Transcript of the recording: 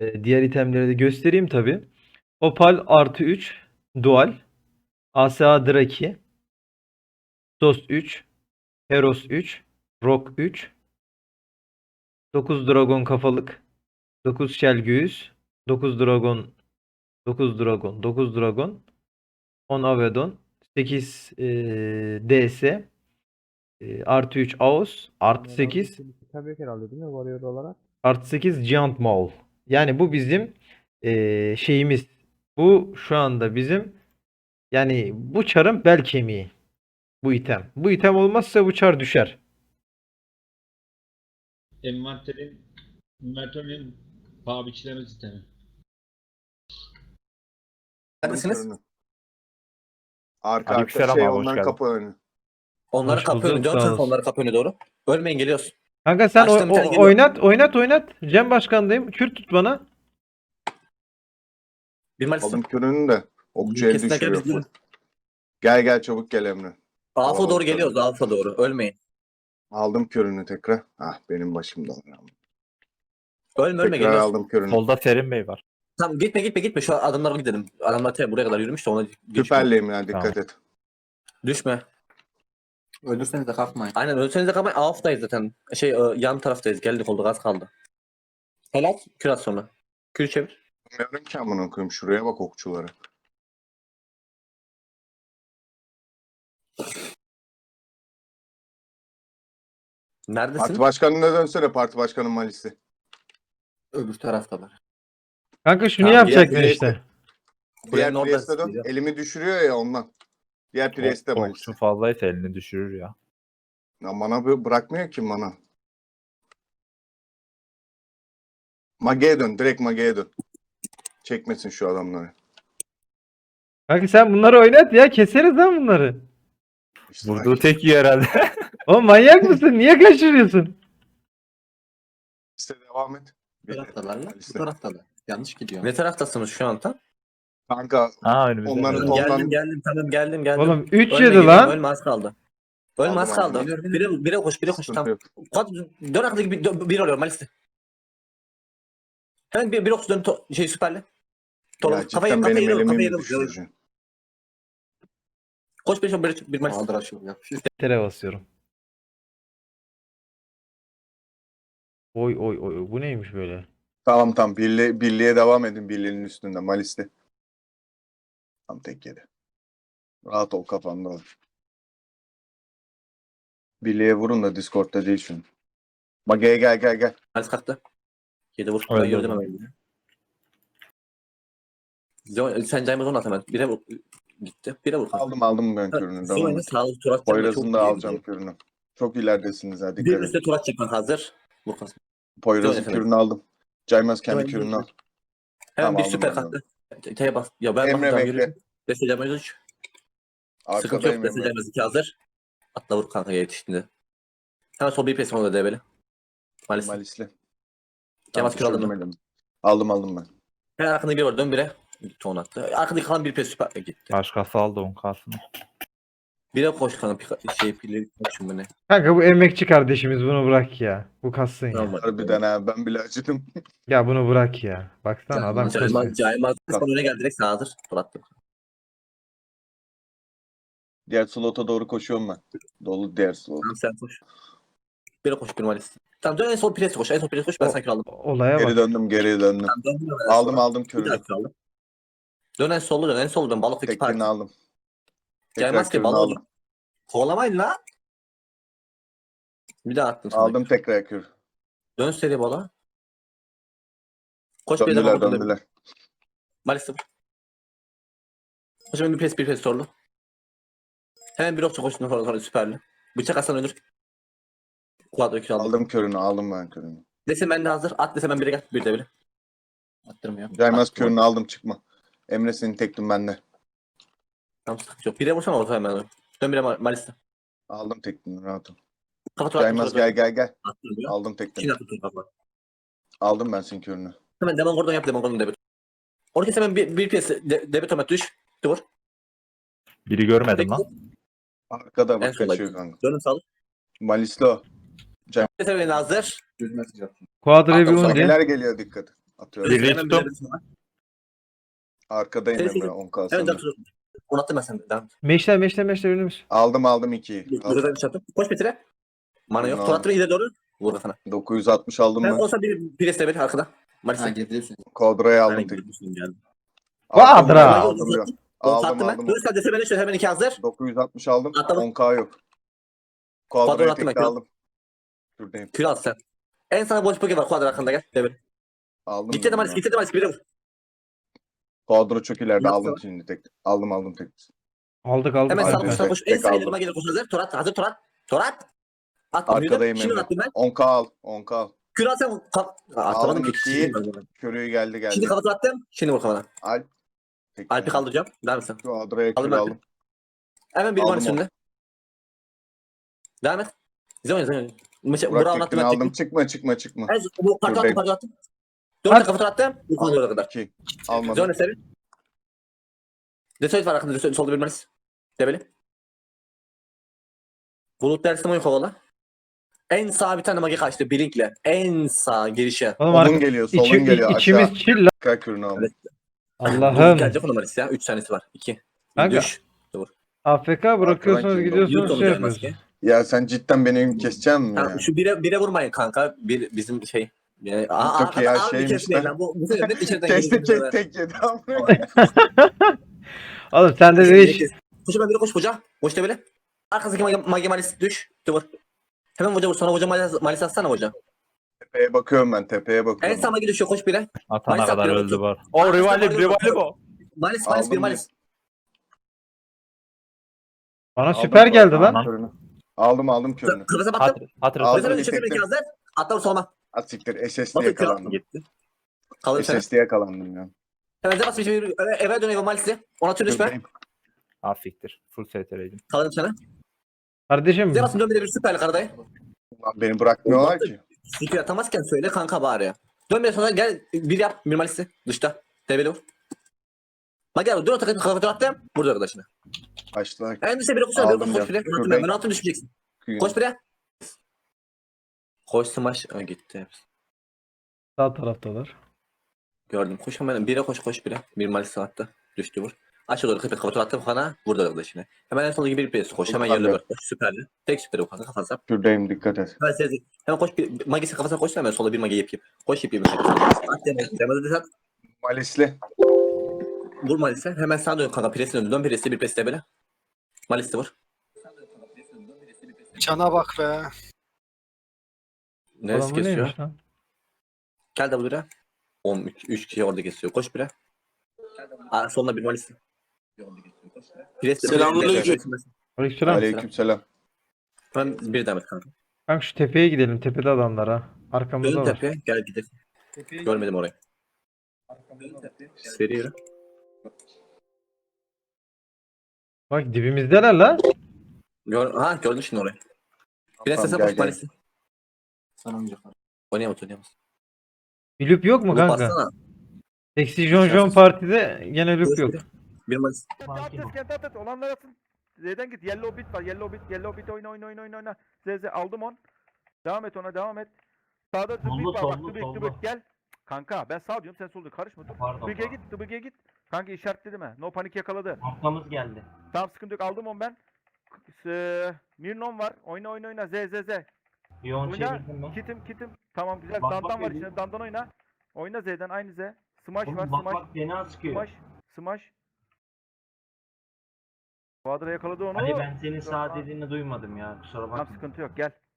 Diğer itemleri de göstereyim tabi. Opal artı 3. Dual. ASA Draki. Sos 3. Heros 3. Rock 3. 9 Dragon kafalık. 9 Shell göğüs. 9 Dragon. 9 Dragon. 9 Dragon. 10 Avedon. 8 DS. Artı 3 Aos. Artı 8. Tabii ki herhalde değil mi? Warrior olarak. Artı 8 Giant Maul. Yani bu bizim şeyimiz. Bu şu anda bizim, yani bu çarın bel kemiği. Bu item. Bu item olmazsa bu çar düşer. Envanterin paha biçileme sistemi. Neredesiniz? Arka Aleykümselam şey abi, hoş onların geldin. kapı önü. Onları Hoş kapı önü. bulduk, Dön sağ sen olasın. onları kapı önüne doğru. Ölmeyin geliyoruz. Kanka sen Açtım, bir tane geliyor. oynat. Cem başkandayım. Kürt tut bana. Bir Malis'te. Aldım körünü de. Okçu el Kesinlikle düşürüyor. biz gidelim. Gel çabuk gel Emre. Alfa Alalım doğru geliyoruz. körünü. Alfa doğru. Ölmeyin. Aldım körünü tekrar. Ah benim başımda. Ölme Tekrar geliyoruz. aldım körünü. Solda Serin Bey var. Tamam gitme. Şu adamlara gidelim. Adamlar buraya kadar yürümüş de ona geçme. Süperliyim ya dikkat et. Düşme. Ölürseniz de kalkmayın. Aynen ölseniz de kalmayın. Alf'tayız zaten. Yan taraftayız. Geldik oldu. Az kaldı. Helal. Kür at sonra. Kür çevir. Bilmiyorum ki amına koyayım şuraya bak okçulara. Neredesin? Parti başkanına dönsene parti başkanın malisi. Öbür taraftalar. Kanka şunu Tamam, yapacaktın diğer- işte. Diğer Buranın orada Priest'e dön. geliyor. Elimi düşürüyor ya ondan. Diğer Priest'e malisi. Okçu fazlaysa elini düşürür ya. Ya bana bırakmıyor ki bana. Mage'ye dön. Direkt Mage'ye dön. Çekmesin şu adamları. Kanka sen bunları oynat ya. Keseriz lan bunları. İşte Vurduğu tek iyi herhalde. Oğlum manyak mısın? Niye kaçırıyorsun? İşte devam et. Bu taraftalar lan. Bu Malisi. taraftalar. Yanlış gidiyor. Ne taraftasınız şu an tam? Kanka Ha önümüzde. Onların- Evet. Ondan- Geldim tamam geldim. Oğlum 3 Ölme, yedi geliyorum, lan. Ölme az kaldı. Ölme Aldım, az kaldı. aldım. Bire koş sıkıntı tam. yok. Dön arkadaki bir oluyor Malis'te. Hemen bir okçu dön süperle. Ya cidden benim elimi mi düşüreceksin? Koş bir Malis. Aldır aşağı yapışır. Tere basıyorum. Oy bu neymiş böyle? Tamam birliğe devam edin birliğinin üstünde Malis'te. Tam tek yedi. Rahat ol kafanda ol. Birliğe vurun da Discord'da değil şunu. Mage'ye gel. Malis kalktı. 7 vur. Ben Öldü, gördüm öldü. hemen. Sen Caymaz onu at hemen. Bire vur. Gitti. Bire vur. Aldım ben körünü. Devam Sonra et. sağlık turat. Poyraz'ın da alacağım körünü. Çok ileridesiniz ha Bir dikkat üstte edin. turat çıkmak hazır. Vur kalsın. Poyraz'ın efendim. körünü aldım. Caymaz kendi Dön, körünü al. Hemen Tamam, bir aldım süper ben kalktı. T'ye bas. Ya ben Emre bakacağım bekle. yürüyün. Destek Caymaz 3. Sıkıntı yok. Arkadayım Destek Emre. Caymaz 2 hazır. Atla vur kanka yetiştiğinde. Hemen sol bir pesim oldu DB'li. Malis. Malis'le. Caymaz kür aldın mı? düşürdüm elimi. Aldım ben. Hemen arkanda bir var. Dön bire. Gitti onu attı. Arkadaki kalan bir pes süper gitti. Başkası aldı 10K'sını. Bire koş kanka. Pili koşun bu ne? Kanka bu emekçi kardeşimiz, bunu bırak ya. Bu kassın ya. Tamam. Harbiden ha ben bile acıdım. Ya bunu bırak ya. Baksana adam kasıyor. Caymaz öne geldi direkt sağ hazır. Fırlattım. Diğer slota doğru koşuyorum ben. Dolu diğer slot. Tamam sen koş. Bire koş bir Malis. Tamam dön en sol pres koş. En sol pres koş. Ben sanki aldım. Olaya Geri bak. döndüm. Tamam, dön hemen sonra. Aldım Bir körünü. dakika aldım. Dön en sollu dön. En sollu dön. Balıktaki Tekini parti. aldım. Caymaz ki körünü balığı aldım. aldım. Kovalamayın la. Bir daha attım sana. Aldım tekrar kür. Dön seri balığa. Koş bir de Döndüler. Malis'te. Koş hemen bir pres sorulu. Hemen bir okçu koşsun sonra süperli. Bıçak Hasan ölür. Kuadro 2 aldım. Aldım ben körünü. Dese ben de hazır. At dese ben bire gel. Bir de bire. Attırmıyor. Caymaz Attım. körünü aldım çıkma. Emre senin tektin bende. Tamam sıkıntı yok. Bire vursana orta hemen. Dön bire Malis'te. Aldım tektin rahat ol. Kafa tur Caymaz gel. Attırmıyor. Aldım tektin. Çin attı tur kafa. Aldım ben senin körünü. Hemen Demon Gordon yap Demon Gordon debit. Orada hemen bir piyasa debit omet düş. Dur. Biri görmedim lan. Arkada En bak sola kaçıyor git. kanka. Dönün sağlık. Malislo. Dese beni hazır. Düz mesaj attım. Quadra bir Atlamış un ama diye. Mageler geliyor dikkat. Atıyorum. Birliği Hemen tuttum. bir de- Arkadayım Seri, Emre seri. 10 Hemen kalsın. Jackson. Onu attım ben senden. Devam. Meşler önümüz. Aldım 2'yi. Güzel bir şey attım. Koş bitire. Mana yok. Aldım. Tur attım ileri doğru. Vur kafana. 960 aldım Ben ben. olsa bir preste bir arkada. Ha Maalesef. gidiyorsun. Kodra'yı aldım Aynen tek. gidiyorsun geldi. Aldım Quadra. ya, aldım ya. Aldım Attım ben. aldım. Dur sen dese beni şöyle hemen 2 hazır. 960 aldım. Atladım. 10k yok. Quadra'yı Kodra'yı attım tekte ekran. aldım. Şuradayım. Kür al sen. En sana boş poke var kuadra arkanda gel. Devir. Aldım. Gitti de ben Malis ya. gitti de Malis. Bir de vur. Kodra çok ileride Nasıl aldım var? şimdi tek. Aldım tek. Aldık. Hemen Hadi sağ tek, koş sağ koş. tek En sağ aldım. ilerime gelir koş hazır. Torat hazır Torat. Torat. At. Arkadayım Şimdi Emre. attım ben. 10k al. 10k al. Kür al sen. Atamadım Aldım ki. ikiyi. Körüğü geldi. Şimdi kafa attım. Şimdi vur kafana. Alp. Tek Alp'i yani. kaldıracağım. Devam et sen. Kodra'ya Aldım kür Alp'i. aldım. Hemen bir Aldım Malis onu. önüne. Devam et. Zeon. Burak Burak'ın tekini attım. aldım. Çıkma. En bu parça attım Buradayım. parça attım. Dört kafa attım. Bu konuya kadar. 2. Almadım. Zeon eseri. Desoyt var arkada. Desoyt solda bir Malis. Debeli. Bulut dersi mi kovala? En sağ bir tane magi kaçtı. Blink'le. En sağ girişe. Oğlum Solun geliyor. Solun geliyor. içimiz Aşağı. chill lan. Tekrar kürünü aldım. Evet. Allah'ım. Gelecek ona Malis ya. 3 tanesi var. 2. Kanka. Düş. AFK bırakıyorsunuz Arkadan gidiyorsunuz Yut şey olacak yapıyorsunuz. maske. Ya sen cidden beni keseceksin mi ya? Tamam, şu bire vurmayın kanka. Bir bizim şey. Yani, Çok iyi ya, abi şeymiş kesmeyin de. lan. Bu sefer net içeriden Kesti geliyor. tek yedi. Oğlum sen de değiş. Koş ben biri koş hoca. Koş da böyle. Arkasındaki magi malis düş. Dur. Hemen hoca vur. Sonra hoca malis atsana hoca. Tepeye bakıyorum ben. Tepeye En bakıyorum. sağ magi düşüyor. Koş bire. Atana Malis kadar atıyor, öldü otur. var. O rivali bu. Malis Aldım bir ya. malis. Bana Aldım süper geldi lan. Aman. körünü. Aldım körünü. Kırmızı battım. Hatır. Aldım. Kırmızı bir düşürdüm tek de. 2 hazır. Atla vur solma. At siktir. SSD'ye Bakın kral yakalandım. gitti. Kalır sen. SSD'ye yakalandım ya. Hemen zebas bir şey. Eve dönüyor malis'i. Ona tür düşme. Şuradayım. Afiktir. Full STR'ydim. Kalırım sana. Kardeşim Zebas'ın dön bir süperli karadayı. Ulan beni bırakmıyorlar ki. Sikir atamazken söyle kanka bari ya. Dön bir sonra gel bir yap bir malisi dışta. Tebeli vur. Bak gel dur takım kafa attım. Burada arkadaşına. Açtılar. En düşe biri koşsana. Aldım Koş ya. bire. Şuradayım. Ben altın düşmeyeceksin. Kıyın. Koş bire. Koş smash. Ha, gitti hepsi. sağ taraftalar. Gördüm. Koş hemen bire koş bire. Bir malisi attı. Düştü vur. Aşağı doğru kapı kafa attım kana. Burada arkadaşına. Hemen en sondaki bir presi koş. Hemen yerine bak. Koş süperli. Tek süperi kanka kafasına. Şuradayım dikkat et. Hemen sezi. Hemen koş bir magisi kafasına koş hemen sola bir magi yap. Koş yap. At demek. Demede de at. Malisli. Vur Malis'e. Hemen sağa dön kanka. Presine dön. Dön Pres'e bir Pres'e böyle. Malis'e vur. Cana bak be. Neresi Oğlum bu kesiyor? neymiş lan? Gel de buraya. 3 kişi orada kesiyor. Koş buraya. Aa, soluna bir Malis'e. Selamünaleyküm. Aleykümselam. Aleykümselam. Ben bir demet kanka. Kanka şu tepeye gidelim. Tepede adamlar ha. Arkamızda Dön var. tepeye. Gel gidelim. Görmedim orayı. Seri yürü. Bak dibimizdeler la. Gördün şimdi orayı. Prenses'e Tamam, koş gel. Malis'e. Sana önce. Oynayamaz. Bir loop yok mu Bunu kanka? bassana. Eksi Jon partide gene loop yok. Bir Malis. Kent at olanlar atın. Z'den git. Yellow bit var. Yellow bit oyna. Z aldım on. Devam et ona devam et. Sağda The Big var. Bak The Big gel. Kanka ben sağ diyorum sen sol diyorsun. Karışma dur. The Big'e git. Kanka işaretledi mi? No panik yakaladı. Arkamız geldi. Tamam sıkıntı yok aldım on ben. Mirnon var. Oyna. Z. Yoğun Oyna. çevirdim ben. Kitim. Tamam güzel. Bak, Dandan bak var dedi. içinde. Dandan oyna. Oyna Z'den aynı Z. Smash var. Oğlum bak Smash. bak fena sıkıyor. Smash. Quadra yakaladı onu. Ali ben senin sağ dediğini duymadım ya. Kusura Tamam bakma. sıkıntı yok gel.